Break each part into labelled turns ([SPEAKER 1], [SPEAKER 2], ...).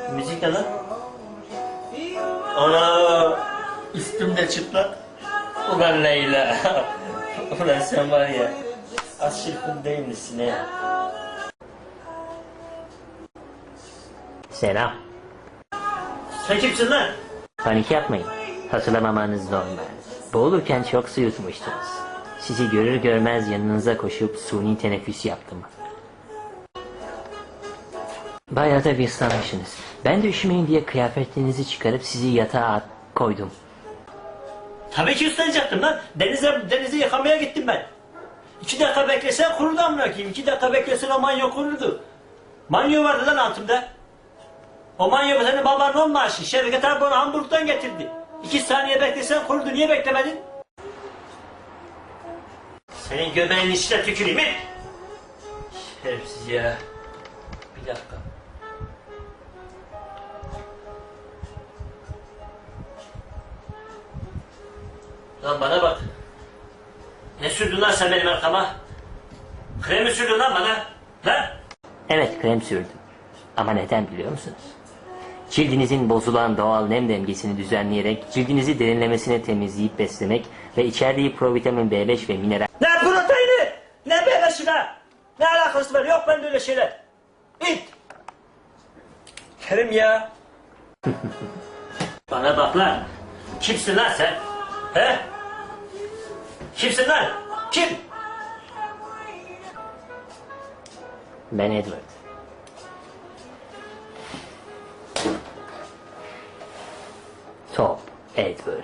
[SPEAKER 1] Müzik ne lan? Ana üstümde çıplak. Ulan Leyla. Ulan sen var ya. Az çırpın değil misin ya?
[SPEAKER 2] Selam.
[SPEAKER 1] Sen kimsin lan?
[SPEAKER 2] Panik yapmayın. Hatırlamamanız normal. Boğulurken çok su yutmuştunuz. Sizi görür görmez yanınıza koşup suni teneffüs yaptım. Bayağı da bir ıslanmışsınız. Ben de üşümeyin diye kıyafetlerinizi çıkarıp sizi yatağa koydum.
[SPEAKER 1] Tabii ki üstlanacaktım lan. Denize yıkamaya gittim ben. 2 dakika beklesen kurudu amına koyayım. 2 dakika beklesen o manyo kurudu. Manyo vardı lan altımda. O manyo senin babanın on maaşı. Şevket abi onu Hamburg'dan getirdi. 2 saniye beklesen kurudu. Niye beklemedin? Senin göbeğinin içine tüküreyim mi? Şerefsiz ya. Bir dakika. Lan bana bak. Ne sürdün lan sen benim arkama? Krem mi sürdün lan bana? Lan?
[SPEAKER 2] Evet, krem sürdüm. Ama neden biliyor musunuz? Cildinizin bozulan doğal nem dengesini düzenleyerek cildinizi derinlemesine temizleyip beslemek ve içerdiği provitamin B5 ve mineral...
[SPEAKER 1] Ne proteini? Ne belası be? Ne alakası var? Yok bende öyle şeyler. İt. Kerim ya. Bana bak lan. Kimsin lan sen? He? Kimsin lan? Kim?
[SPEAKER 2] Ben Edward. Top Edward.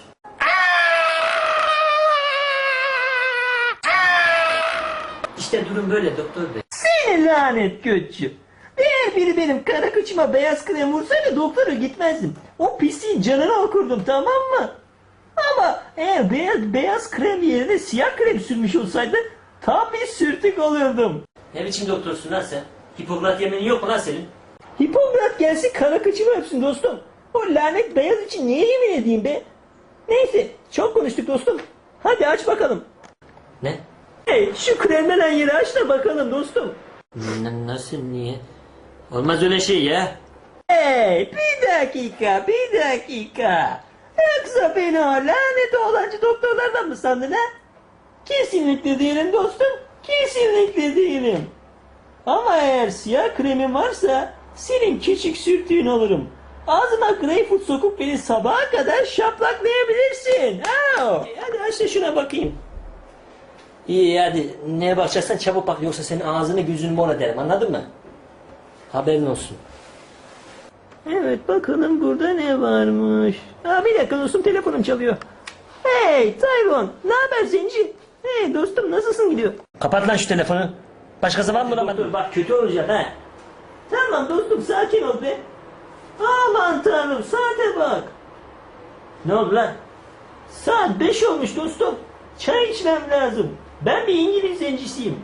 [SPEAKER 1] İşte durum böyle doktor bey.
[SPEAKER 3] Seni lanet götçü. Eğer biri benim kara kıçıma beyaz krem vursaydı doktora gitmezdim. O pisliğin canını okurdum, tamam mı? Ama eğer beyaz krem yerine siyah krem sürmüş olsaydı tam bir sürtük olurdum.
[SPEAKER 1] Ne biçim doktorsun lan sen? Hipokrat yeminin yok mu lan senin?
[SPEAKER 3] Hipokrat gelsin kara kıçımı öpsün dostum. O lanet beyaz için niye yemin edeyim be? Neyse, çok konuştuk dostum. Hadi aç bakalım.
[SPEAKER 1] Ne?
[SPEAKER 3] Hey, şu kremlenen yeri aç da bakalım dostum.
[SPEAKER 1] Nasıl, niye? Olmaz öyle şey ya.
[SPEAKER 3] Hey, bir dakika. Yoksa beni o lanet oğlancı doktorlardan mı sandın ha? Kesinlikle değilim dostum, kesinlikle değilim. Ama eğer siyah kremin varsa senin küçük sürtüğün olurum. Ağzıma greyfurt sokup beni sabaha kadar şaplaklayabilirsin. Hadi aç da şuna bakayım.
[SPEAKER 1] İyi hadi neye bakacaksan çabuk bak yoksa senin ağzını gözünü mor ederim, anladın mı? Haberin olsun.
[SPEAKER 3] Evet, bakalım burada ne varmış. Bir dakika dostum, telefonum çalıyor. Hey Tayvon, ne haber zenci? Hey dostum, nasılsın gidiyor?
[SPEAKER 1] Kapat lan şu telefonu. Başkası var mı lan? Dur bak kötü olacak ha.
[SPEAKER 3] Tamam dostum, sakin ol be. Aman tanrım, saate bak.
[SPEAKER 1] Ne oldu lan?
[SPEAKER 3] Saat 5 olmuş dostum. Çay içmem lazım. Ben bir İngiliz zencisiyim.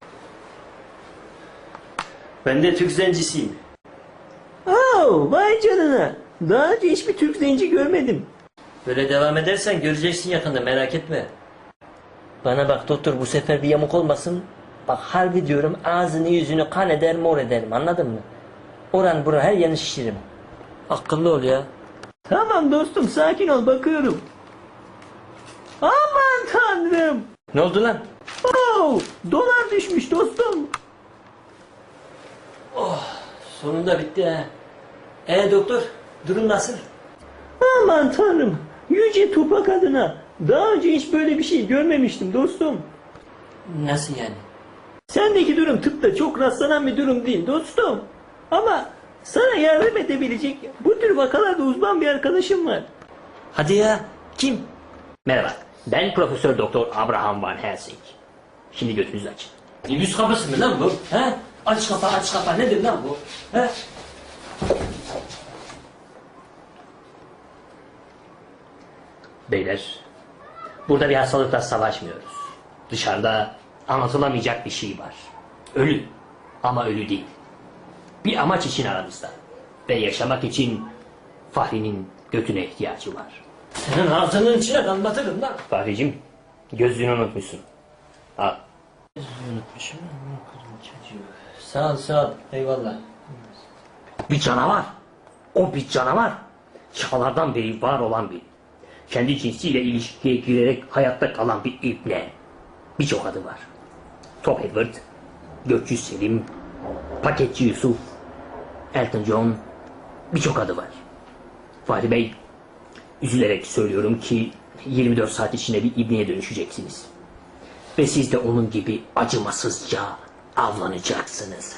[SPEAKER 1] Ben de Türk zencisiyim.
[SPEAKER 3] Vay canına. Daha önce hiçbir Türk zenci görmedim.
[SPEAKER 1] Böyle devam edersen göreceksin yakında, merak etme. Bana bak doktor, bu sefer bir yamuk olmasın. Bak harbi diyorum, ağzını yüzünü kan eder mor ederim, anladın mı? Oran buran her yerini şişiririm. Akıllı ol ya.
[SPEAKER 3] Tamam dostum, sakin ol, bakıyorum. Aman tanrım.
[SPEAKER 1] Ne oldu lan?
[SPEAKER 3] Dolar düşmüş dostum.
[SPEAKER 1] Sonunda bitti ha. Doktor, durum nasıl?
[SPEAKER 3] Aman tanrım. Yüce Tupak adına. Daha önce hiç böyle bir şey görmemiştim dostum.
[SPEAKER 1] Nasıl yani?
[SPEAKER 3] Sendeki durum tıpta çok rastlanan bir durum değil dostum. Ama sana yardım edebilecek bu tür vakalarda uzman bir arkadaşım var.
[SPEAKER 1] Hadi ya, kim?
[SPEAKER 2] Merhaba, ben Profesör Doktor Abraham Van Helsing. Şimdi götünüzü açın.
[SPEAKER 1] Yüz kapısı mı lan bu? He? Aç kapa, nedir lan bu? He?
[SPEAKER 2] Beyler, burada bir hastalıkla savaşmıyoruz. Dışarıda anlatılamayacak bir şey var. Ölü, ama ölü değil. Bir amaç için aramızda. Ve yaşamak için Fahri'nin götüne ihtiyacı var.
[SPEAKER 1] Senin ağzının içine damlatırım lan.
[SPEAKER 2] Fahricim, gözlüğünü unutmuşsun. Al.
[SPEAKER 1] Sağ ol, eyvallah.
[SPEAKER 2] Bir canavar. O bir canavar. Çağlardan beri var olan bir. Kendi cinsiyle ilişkiye girerek hayatta kalan bir ibne. Birçok adı var. Top Edward, Gökçü Selim, Paketçi Yusuf, Elton John, birçok adı var. Fahri Bey, üzülerek söylüyorum ki 24 saat içinde bir ibneye dönüşeceksiniz. Ve siz de onun gibi acımasızca avlanacaksınız.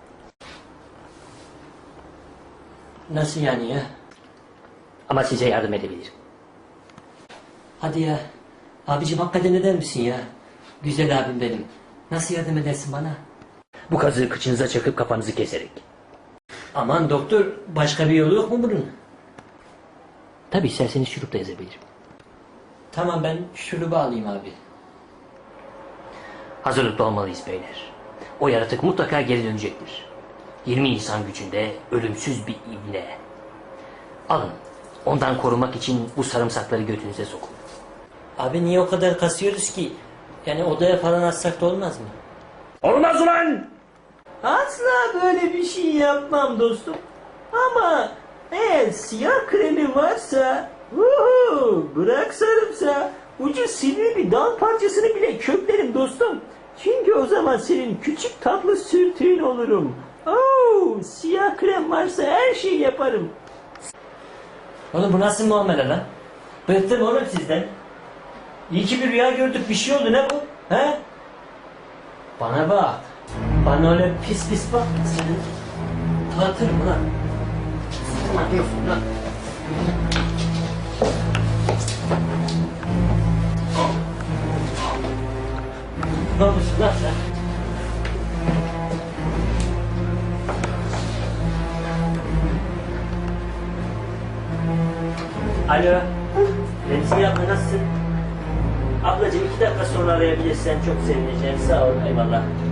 [SPEAKER 3] Nasıl yani ya?
[SPEAKER 2] Ama size yardım edebilirim.
[SPEAKER 3] Hadi ya. Abicim hakikaten eder misin ya? Güzel abim benim. Nasıl yardım edersin bana?
[SPEAKER 2] Bu kazığı kıçınıza çakıp kafanızı keserek.
[SPEAKER 3] Aman doktor, başka bir yolu yok mu bunun?
[SPEAKER 2] Tabii isterseniz şurup da yazabilirim.
[SPEAKER 3] Tamam, ben şurubu alayım abi.
[SPEAKER 2] Hazırlıklı olmalıyız beyler. O yaratık mutlaka geri dönecektir. 20 insan gücünde ölümsüz bir ibne. Alın, ondan korumak için bu sarımsakları götünüze sokun.
[SPEAKER 3] Abi niye o kadar kasıyoruz ki? Yani odaya falan atsak da olmaz mı?
[SPEAKER 2] Olmaz ulan!
[SPEAKER 3] Asla böyle bir şey yapmam dostum. Ama eğer siyah kremi varsa, bırak sarımsağı, ucu sivri bir dal parçasını bile köklerim dostum. Çünkü o zaman senin küçük tatlı sürtüğün olurum. Siyah krem varsa her şeyi yaparım. Oğlum bu nasıl muamele lan? Bıktım oğlum sizden. İyi ki bir rüya gördük, bir şey oldu, ne bu? He? Bana bak. Bana öyle pis pis bak. Seni dağıtırım lan. Ne diyorsun lan? Ne yapıyorsun lan sen? Alo. Remzi abla nasılsın? Ablacığım 2 dakika sonra arayabilirsen çok sevineceğim. Sağ ol, eyvallah.